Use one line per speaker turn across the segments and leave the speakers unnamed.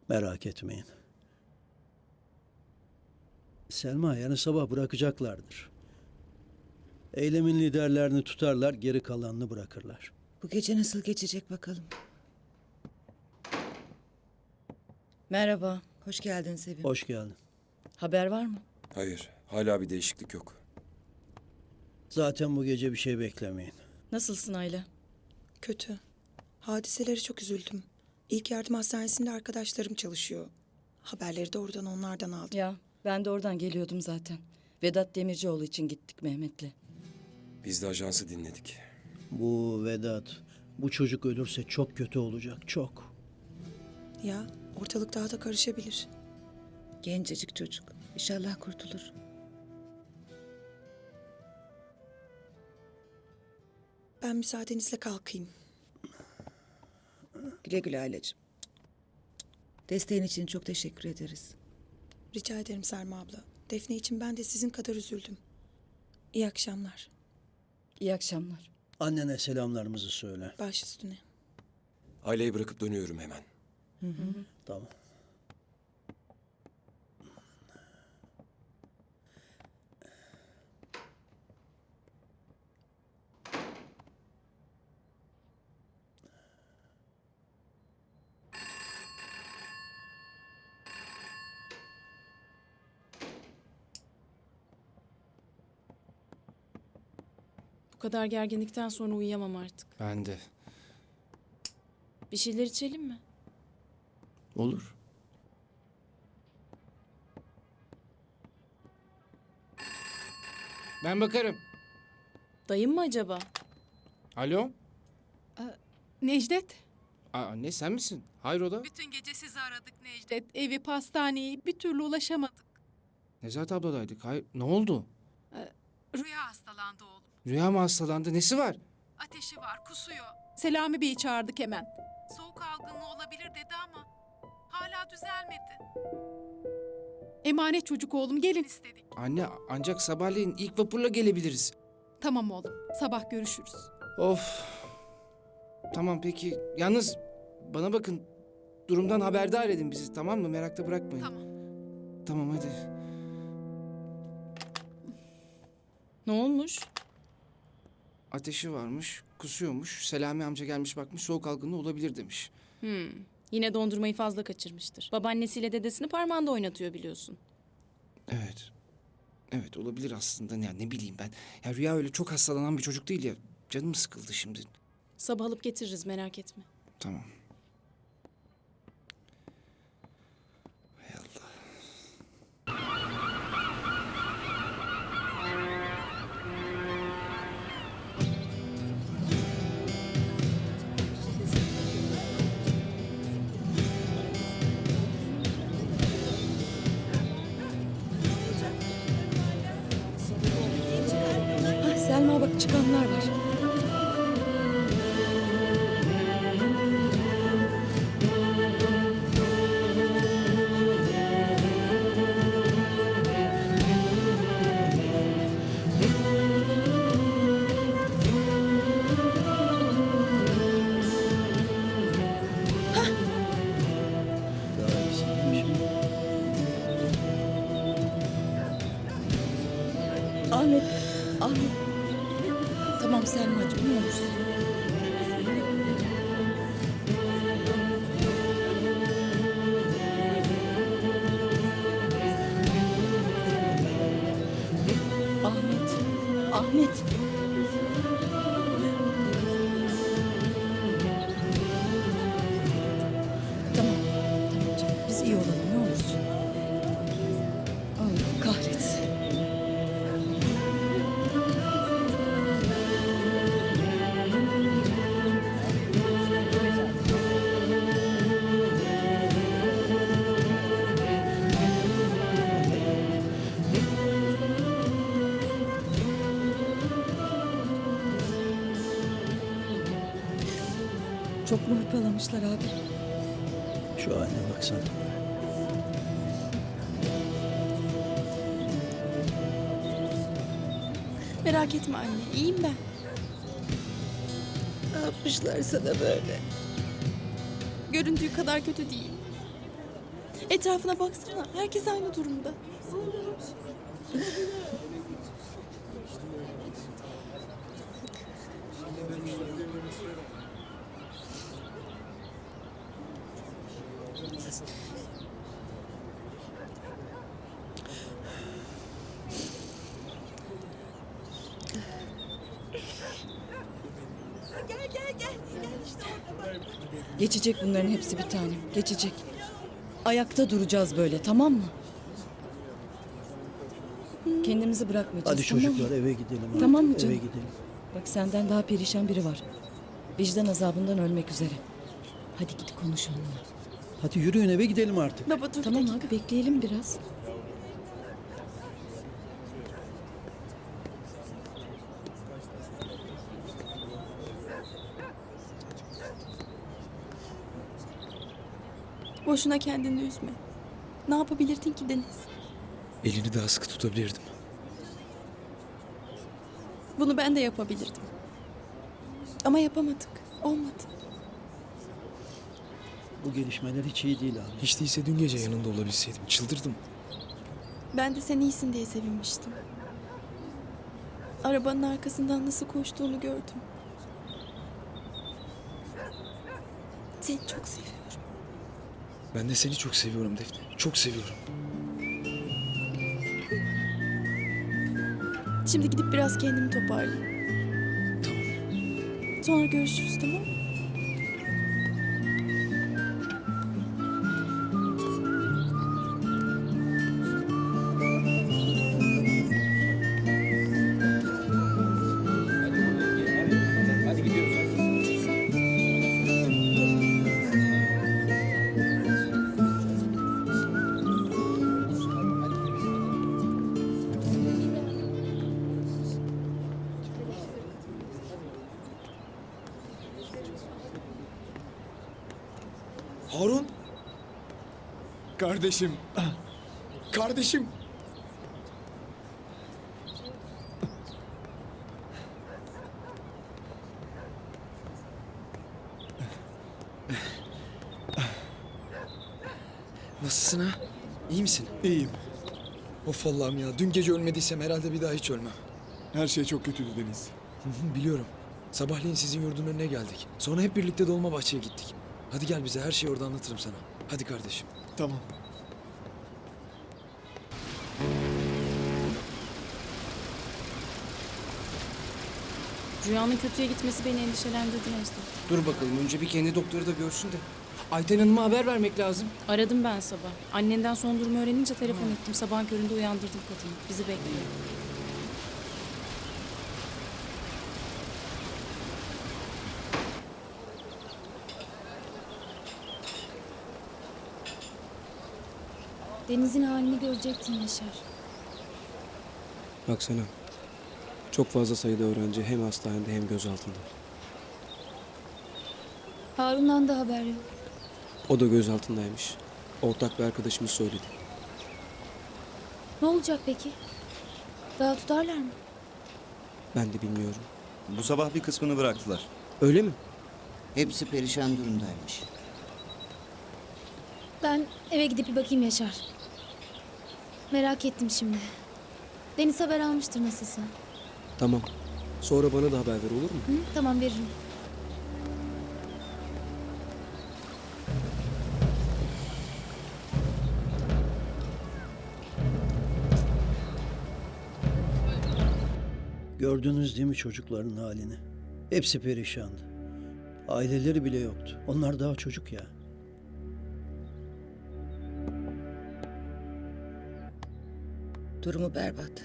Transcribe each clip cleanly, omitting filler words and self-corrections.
Merak etmeyin. Selma yarın sabah bırakacaklardır. Eylemin liderlerini tutarlar, geri kalanını bırakırlar.
Bu gece nasıl geçecek bakalım.
Merhaba.
Hoş geldin Sevim.
Hoş geldin.
Haber var mı?
Hayır, hala bir değişiklik yok.
Zaten bu gece bir şey beklemeyin.
Nasılsın Ayla?
Kötü. Hadiseleri çok üzüldüm. İlk yardım hastanesinde arkadaşlarım çalışıyor. Haberleri de oradan onlardan aldım.
Ya ben de oradan geliyordum zaten. Vedat Demircioğlu için gittik Mehmet'le.
Biz de ajansı dinledik.
Bu Vedat, bu çocuk ölürse çok kötü olacak, çok.
Ya ortalık daha da karışabilir.
Gencecik çocuk. İnşallah kurtulur.
Ben müsaadenizle kalkayım.
Güle güle Aylacığım. Desteğin için çok teşekkür ederiz.
Rica ederim Selma abla. Defne için ben de sizin kadar üzüldüm. İyi akşamlar.
İyi akşamlar.
Annene selamlarımızı söyle.
Baş üstüne.
Aileyi bırakıp dönüyorum hemen.
Tamam.
Bu kadar gerginlikten sonra uyuyamam artık.
Ben de.
Bir şeyler içelim mi?
Olur. Ben bakarım.
Dayım mı acaba?
Alo?
Necdet,
Anne sen misin? Hayrola?
bütün gece sizi aradık Necdet. Evi, pastaneyi bir türlü ulaşamadık.
Nezahat abladaydık. Hayır. Ne oldu?
Rüya hastalandı oğlum.
Rüya mı hastalandı? Nesi var?
Ateşi var, kusuyor. Selami Bey'i çağırdık hemen. Soğuk algınlığı olabilir dedi ama hala düzelmedi. Emanet çocuk oğlum, gelin istedik.
Anne ancak sabahleyin ilk vapurla gelebiliriz.
Tamam oğlum, sabah görüşürüz.
Of. Tamam peki. Yalnız bana bakın. Durumdan haberdar edin bizi, tamam mı? Merakta bırakmayın.
Tamam.
Tamam hadi.
Ne olmuş?
Ateşi varmış, kusuyormuş. Selami amca gelmiş bakmış, soğuk algınlığı olabilir demiş.
Yine dondurmayı fazla kaçırmıştır. Babaannesiyle dedesini parmağında oynatıyor biliyorsun.
Evet. Evet olabilir aslında. Ya ne bileyim ben. Ya Rüya öyle çok hastalanan bir çocuk değil ya. Canım sıkıldı şimdi.
Sabah alıp getiririz, merak etme.
Tamam. Hay Allah.
Selma bak çıkanlar var.
Daha iyisi değil mi şimdi?
Ahmet. Ahmet. Tamam Selma'cığım ne olursun. Ahmet. Ahmet. Tamam. Tamam canım. Biz iyi olalım ne olursun. Allah kahretsin. Çok mu hırpalamışlar abi?
Şu haline baksana.
Merak etme anne, iyiyim ben.
Ne yapmışlar sana böyle?
Göründüğü kadar kötü değil.
Etrafına baksana. Herkes aynı durumda.
Geçecek bunların hepsi bir tanem. Geçecek. Ayakta duracağız böyle, tamam mı? Kendimizi bırakmayacağız,
Hadi
tamam
çocuklar
mı?
eve gidelim. artık.
Tamam mı
Eve
canım?
gidelim.
Bak senden daha perişan biri var. Vicdan azabından ölmek üzere. Hadi git konuş onunla.
Hadi yürüyün eve gidelim artık.
Baba dur
Tamam
bir dakika.
abi bekleyelim biraz.
Boşuna kendini üzme. Ne yapabilirdin ki Deniz?
Elini daha sıkı tutabilirdim.
Bunu ben de yapabilirdim. Ama yapamadık. Olmadı.
Bu gelişmeler hiç iyi değil abi.
Hiç değilse dün gece yanında olabilseydim. Çıldırdım.
Ben de sen iyisin diye sevinmiştim. Arabanın arkasından nasıl koştuğunu gördüm. Seni çok seviyorum.
Ben de seni çok seviyorum Defne. Çok seviyorum.
Şimdi gidip biraz kendimi toparlayayım.
Tamam.
Sonra görüşürüz, tamam mı?
Harun. Kardeşim. Kardeşim.
Nasılsın ha? İyi misin?
İyiyim.
Of Allah'ım ya. Dün gece ölmediysem herhalde bir daha hiç ölmem.
Her şey çok kötüydü Deniz.
Biliyorum. Sabahleyin sizin yurdun önüne geldik. Sonra hep birlikte Dolmabahçe'ye gittik. Hadi gel bize her şeyi orada anlatırım sana. Hadi kardeşim.
Tamam.
Rüyanın kötüye gitmesi beni endişelendirdi Necdet.
Dur bakalım önce bir kendi doktoru da görsün de. Ayten Hanım'a haber vermek lazım.
Aradım ben sabah. Annenden son durumu öğrenince telefon ettim. Sabahın köründe uyandırdım kadını. Bizi bekliyor.
Deniz'in halini görecektin Yaşar.
Baksana. Çok fazla sayıda öğrenci hem hastanede hem gözaltında.
Harun'dan da haber yok.
O da gözaltındaymış. Ortak bir arkadaşımız söyledi.
Ne olacak peki? Daha tutarlar mı?
Ben de bilmiyorum.
Bu sabah bir kısmını bıraktılar.
Öyle mi?
Hepsi perişan durumdaymış.
Ben eve gidip bir bakayım Yaşar. Merak ettim şimdi. Deniz haber almıştır nasılsa.
Tamam. Sonra bana da haber ver olur mu?
Hı, tamam veririm.
Gördünüz değil mi çocukların halini? Hepsi perişandı. Aileleri bile yoktu. Onlar daha çocuk ya.
Durumu berbat.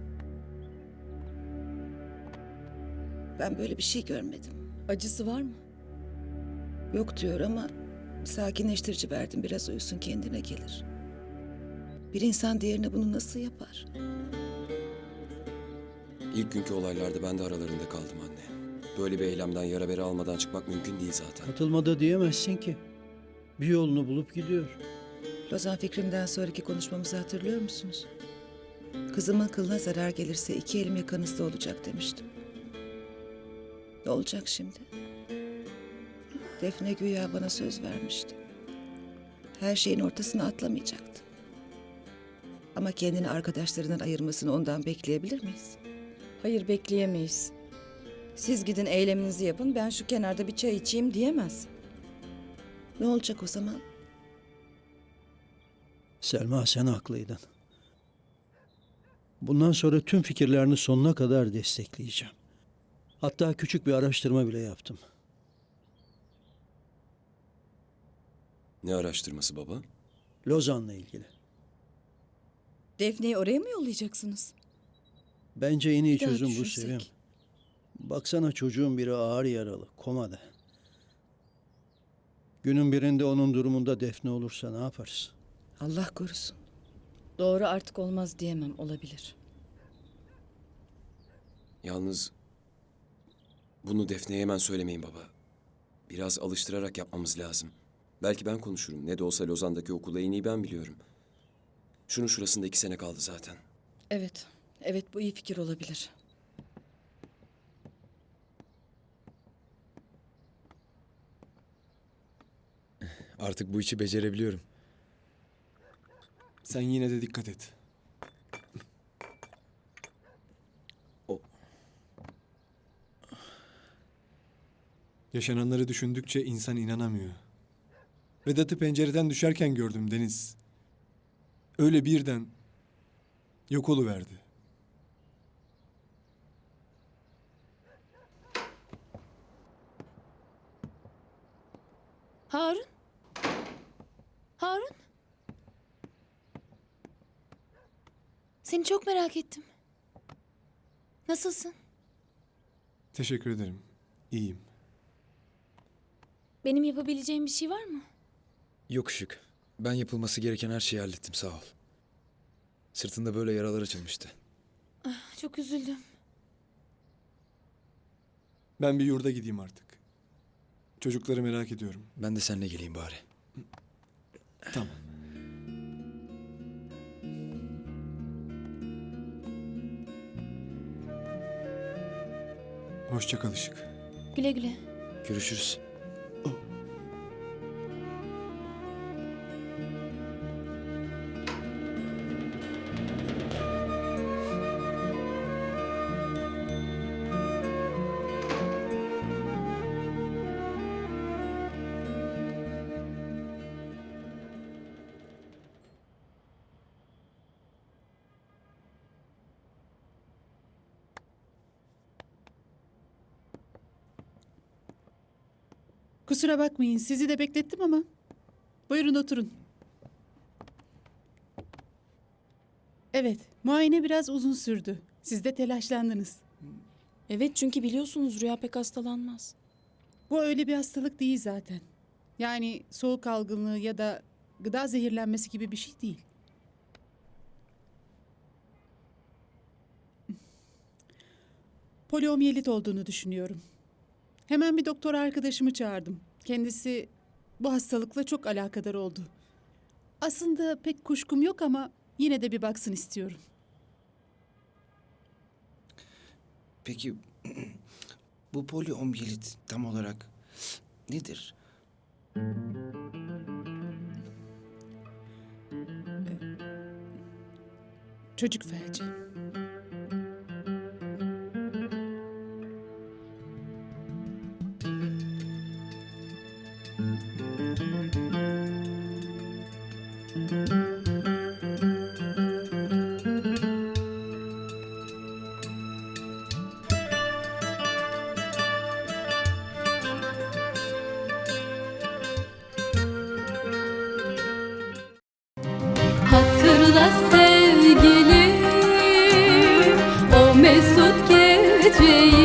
Ben böyle bir şey görmedim.
Acısı var mı?
Yok diyor ama sakinleştirici verdim. Biraz uyusun kendine gelir. Bir insan diğerine bunu nasıl yapar?
İlk günkü olaylarda ben de aralarında kaldım anne. Böyle bir eylemden yara bere almadan çıkmak mümkün değil zaten.
Katılmada diyemezsin ki. Bir yolunu bulup gidiyor.
Lozan fikrimden sonraki konuşmamızı hatırlıyor musunuz? Kızımın kılına zarar gelirse 2 elim yakanızda olacak demiştim. Ne olacak şimdi? Defne güya bana söz vermişti. her şeyin ortasına atlamayacaktı. Ama kendini arkadaşlarından ayırmasını ondan bekleyebilir miyiz?
Hayır, bekleyemeyiz. Siz gidin eyleminizi yapın, ben şu kenarda bir çay içeyim diyemez.
Ne olacak o zaman?
Selma, sen haklıydın. Bundan sonra tüm fikirlerini sonuna kadar destekleyeceğim. Hatta küçük bir araştırma bile yaptım.
Ne araştırması baba?
Lozan'la ilgili.
Defne'yi oraya mı yollayacaksınız?
Bence en iyi
Bir daha
çözüm bu
düşünsek.
Sevim. Baksana, çocuğun biri ağır yaralı, komada. Günün birinde onun durumunda Defne olursa ne yaparız?
Allah korusun.
Doğru, artık olmaz diyemem, olabilir.
Yalnız bunu Defne'ye hemen söylemeyin baba. Biraz alıştırarak yapmamız lazım. Belki ben konuşurum. Ne de olsa Lozan'daki okulu en iyi ben biliyorum. Şunun şurasında 2 sene kaldı zaten.
Evet, evet, bu iyi fikir olabilir.
Artık bu işi becerebiliyorum.
Sen yine de dikkat et. Yaşananları düşündükçe insan inanamıyor. Vedat'ı pencereden düşerken gördüm Deniz. Öyle birden yok oluverdi.
Harun? Harun? Seni çok merak ettim. Nasılsın?
Teşekkür ederim. İyiyim.
Benim yapabileceğim bir şey var mı?
Yok Işık. Ben yapılması gereken her şeyi hallettim, sağ ol. Sırtında böyle yaralar açılmıştı.
Çok üzüldüm.
Ben bir yurda gideyim artık. Çocukları merak ediyorum.
Ben de seninle geleyim bari.
Tamam. Hoşça kal Işık.
Güle güle.
Görüşürüz.
Kusura bakmayın, sizi de beklettim ama. Buyurun oturun. Evet, muayene biraz uzun sürdü. Siz de telaşlandınız.
Evet, çünkü biliyorsunuz Rüya pek hastalanmaz.
Bu öyle bir hastalık değil zaten. Yani soğuk algınlığı ya da gıda zehirlenmesi gibi bir şey değil. Poliomiyelit olduğunu düşünüyorum. Hemen bir doktor arkadaşımı çağırdım. Kendisi bu hastalıkla çok alakadar oldu. Aslında pek kuşkum yok ama yine de bir baksın istiyorum.
Peki bu poliomiyelit tam olarak nedir?
Çocuk felci.
Hatırla sevgilim o mesut geceyi.